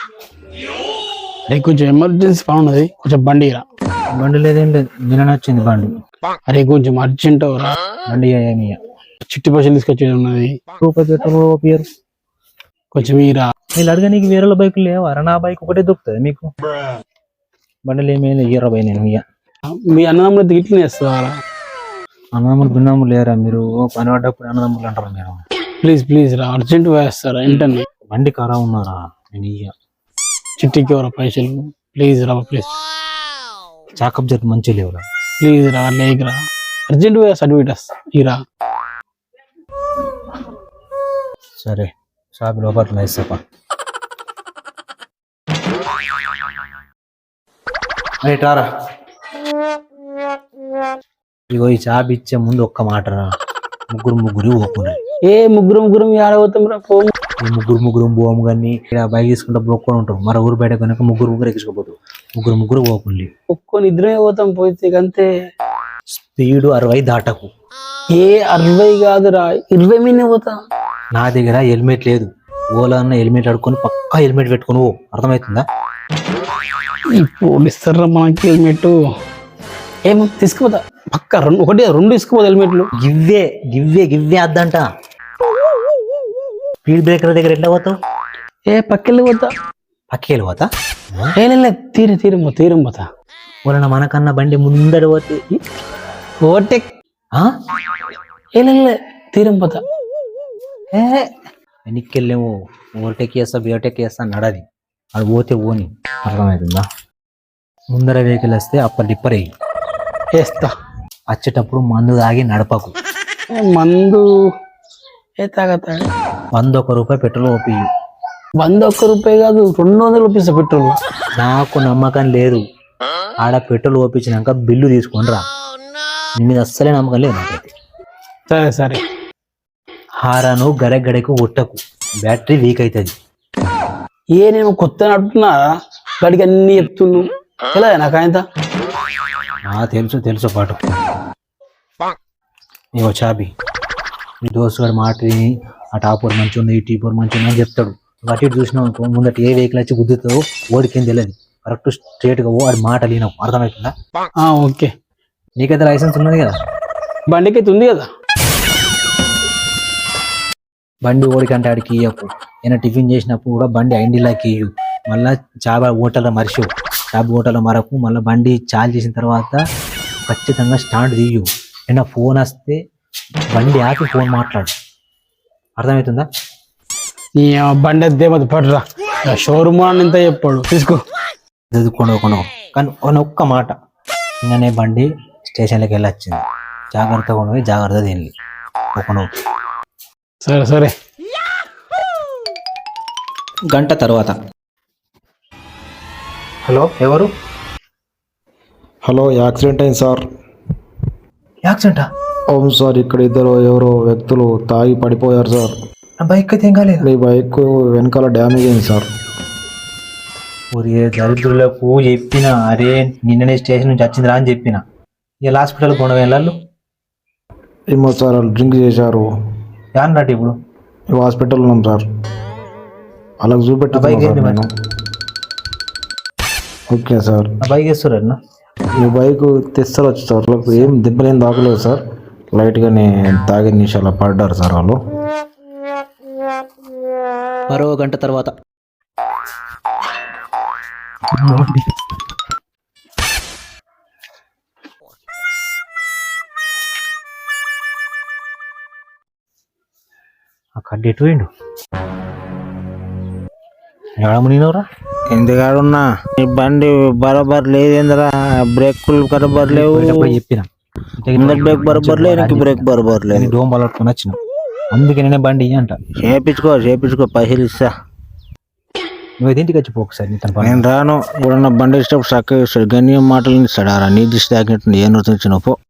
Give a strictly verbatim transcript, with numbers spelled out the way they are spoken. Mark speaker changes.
Speaker 1: అరే కొంచెం ఎమర్జెన్సీ పని ఉన్నది, కొంచెం బండి రా.
Speaker 2: బండి లేదేం లేదు, నిన్న వచ్చింది బండి.
Speaker 1: అరే కొంచెం అర్జెంట్ రా.
Speaker 2: బండి ఏమి
Speaker 1: చిట్టి పైసలు తీసుకొచ్చేది ఉన్నది,
Speaker 2: రూపాయి పెట్రోల్ పేరు
Speaker 1: కొంచెం ఈరా.
Speaker 2: వీళ్ళు అడిగా నీకు వేరే బైకులు లేవా? నా బైక్ ఒకటే దొరుకుతుంది మీకు. బండిలు ఏమైనా ఇయ్యరా బై, నేను ఇయ్య.
Speaker 1: మీ అన్నదమ్ములు ఇట్లనే వేస్తారా?
Speaker 2: అన్నదమ్ములు భిన్నమ్ములు లేరా మీరు? పని పడ్డప్పుడు అన్నదమ్ములు అంటారు మీరు.
Speaker 1: ప్లీజ్ ప్లీజ్ రా, అర్జెంట్ వేస్తారా వెంటనే.
Speaker 2: బండి ఖరా ఉన్నారా? నేను ఇయ్య.
Speaker 1: చిట్టికి ఎవరా పైసలు? ప్లీజ్ రా ప్లీజ్.
Speaker 2: చాకప్ జట్ మంచిగా లేవురా.
Speaker 1: ప్లీజ్ రా, లేక్ రా, అర్జెంట్ సర్టిఫికేట్ వస్తా ఈరా.
Speaker 2: సరే షాప్ లోపల వేస్తాపా. రైటారా, ఇగో ఈ చాబ్ ఇచ్చే ముందు ఒక్క మాట రా. ముగ్గురు ముగ్గురు పోకుండా
Speaker 1: ఏ ముగ్గురు ముగ్గురు ఆడబోతాం రా. ఫోన్
Speaker 2: ముగ్గురు ముగ్గురు పోము కానీ ఇక్కడ బైక్ తీసుకుంటే బ్రోక్కొని ఉంటాం. మరో ఊరు బయట కనుక ముగ్గురు ముగ్గురు ఎక్కించుకోపోతాం. ముగ్గురు ముగ్గురు పోకుండా
Speaker 1: ఒక్కొని ఇద్దరే పోతాం. పోతే అంతే.
Speaker 2: స్పీడ్ అరవై దాటకు.
Speaker 1: ఏ అరవై కాదురా, ఇరవై మీనే పోతా.
Speaker 2: నా దగ్గర హెల్మెట్ లేదు. ఓలా అన్న హెల్మెట్ అడుక్కొని పక్కా హెల్మెట్ పెట్టుకుని పో. అర్థమవుతుందా?
Speaker 1: ఇప్పుడు ఇస్తారా మనకి హెల్మెట్? ఏమో తీసుకుపోతా పక్క. రెండు ఒకటి రెండు తీసుకుపోతా హెల్మెట్లు.
Speaker 2: గివ్వే గివ్వే గివ్వే అద్దంట. స్పీడ్ బ్రేకర్ దగ్గర ఎట్లా పోతావు?
Speaker 1: ఏ పక్కెళ్ళి పోతా.
Speaker 2: పక్కెళ్ళి పోతా?
Speaker 1: ఏ తీరే తీరం పో తీరం పోతా.
Speaker 2: వాళ్ళ మనకన్నా బండి ముందర పోతే
Speaker 1: ఓవర్టేక్. ఏ తీరం పోతా.
Speaker 2: ఏ వెనక్కెళ్ళేమో ఓవర్టేక్ చేస్తా బియోటేక్ చేస్తా నడది. అది పోతే ఓని. అర్థమవుతుందా? ముందర వెహికల్ వస్తే అప్పర్ డిప్పర్ వేయి.
Speaker 1: వేస్తా.
Speaker 2: వచ్చేటప్పుడు మందు తాగి నడపకు.
Speaker 1: మందు ఏ తాగతా?
Speaker 2: వంద ఒక రూపాయి పెట్రోల్ ఓపి.
Speaker 1: వంద ఒక్క రూపాయి కాదు, రెండు వందలు ఓపిస్తా పెట్రోల్.
Speaker 2: నాకు నమ్మకం లేదు. ఆడ పెట్రోల్ ఓపించినాక బిల్లు తీసుకొని రా. నీ మీద అస్సలే నమ్మకం లేదు నాకైతే.
Speaker 1: సరే సరే.
Speaker 2: హారాను గడె గడెకు ఒట్టకు, బ్యాటరీ వీక్ అవుతుంది.
Speaker 1: ఏ నేను కొత్త నడుపుతున్నా గడికి అన్ని చెప్తున్నాను. ఎలా నాకు ఆయన
Speaker 2: తెలుసు తెలుసు పాటు. ఇగో చాబి. మీ దోస్తు గారు మాట ఆ టాపర్ మంచి ఉంది, ఈ టీపర్ మంచి ఉంది అని చెప్తాడు. అటు ఇటు చూసినావు అనుకో, ముందట ఏ వెహికల్ వచ్చి గుద్దుతావు ఓడికేం తెలియదు. కరెక్ట్ స్ట్రేట్ గా వాడి మాట లేనావు. అర్థమవుతుందా?
Speaker 1: ఓకే.
Speaker 2: నీకైతే లైసెన్స్ ఉన్నది కదా,
Speaker 1: బండికి అయితే ఉంది కదా.
Speaker 2: బండి ఓడికంటే ఆడికి ఇయ్యకు. ఏమైనా టిఫిన్ చేసినప్పుడు కూడా బండి ఐండిలాకి ఇయ్యు. మళ్ళీ చాబ హోటల్లో మరిచివు. చాబ హోటల్లో మరకు మళ్ళీ బండి చాలు చేసిన తర్వాత ఖచ్చితంగా స్టాండ్ తీయు. ఏమైనా ఫోన్ వస్తే బండి ఆపి ఫోన్ మాట్లాడు. అర్థమవుతుందా?
Speaker 1: నీ బండి దేవత పడరా. షోరూమ్ ఎంత చెప్పాడు తీసుకో.
Speaker 2: చదువుకోండి కొను. కానీ కొన్ని ఒక్క మాట, నిన్ననే బండి స్టేషన్లోకి వెళ్ళొచ్చింది. జాగ్రత్తగా ఉండవు, జాగ్రత్త తిని ఒకను.
Speaker 1: సరే సరే.
Speaker 2: గంట తర్వాత. హలో, ఎవరు?
Speaker 3: హలో, యాక్సిడెంట్ అయింది సార్.
Speaker 2: యాక్సిడెంటా?
Speaker 3: అవును సార్, ఇక్కడ ఇద్దరు ఎవరో వ్యక్తులు తాగి పడిపోయారు సార్.
Speaker 2: నా బైక్ అయితే ఏం కాలేదు.
Speaker 3: మీ బైక్ వెనకాల డ్యామేజ్ అయింది సార్.
Speaker 2: ఒరే దరిద్రులకు చెప్పిన, అరే నిన్ననే స్టేషన్ నుంచి వచ్చిందిరా అని చెప్పిన. ఇలా హాస్పిటల్ కొన వెళ్ళాలి.
Speaker 3: ఏమో సార్, వాళ్ళు డ్రింక్ చేశారు.
Speaker 2: యాన్నట్టు ఇప్పుడు
Speaker 3: మేము హాస్పిటల్ ఉన్నాం సార్. అలా చూపెట్టాను. Okay sir.
Speaker 2: నా బైక్ వేస్తున్నారు.
Speaker 3: మీ బైక్ తెస్తారు వచ్చి సార్. వాళ్ళకి ఏం దెబ్బలేం తాకలేదు సార్. లైట్గానే తాగిన నిమిషాలు పడ్డారు సార్ వాళ్ళు.
Speaker 2: మరో గంట తర్వాత. ఆ కడ్డీ ఎటు పోయిండు? ఏడమునినవరా?
Speaker 4: ఎందుకాడున్నా నీ బండి బరోబర్ లేదేంద్రా? బ్రేకులు బరోబర్ లేవు.
Speaker 2: చెప్పిన
Speaker 4: బ్రేక్ బరోబర్ లేదు, బ్రేక్ బరోబర్ లేదు.
Speaker 2: డోమ్ పట్టుకొని వచ్చిన, అందుకే నేనే బండి అంట.
Speaker 4: చేపించుకో చేపించుకో పైసలు ఇస్తా.
Speaker 2: నువ్వు ఇంటికి వచ్చి పోకసారి.
Speaker 4: నేను రాను. ఇప్పుడు బండి ఇష్టం చక్కగా ఇస్తాడు. గణ్యం మాటలు ఇస్తాడు. నీ దిష్టి తాకినట్టు ఏ నృత్యం పో.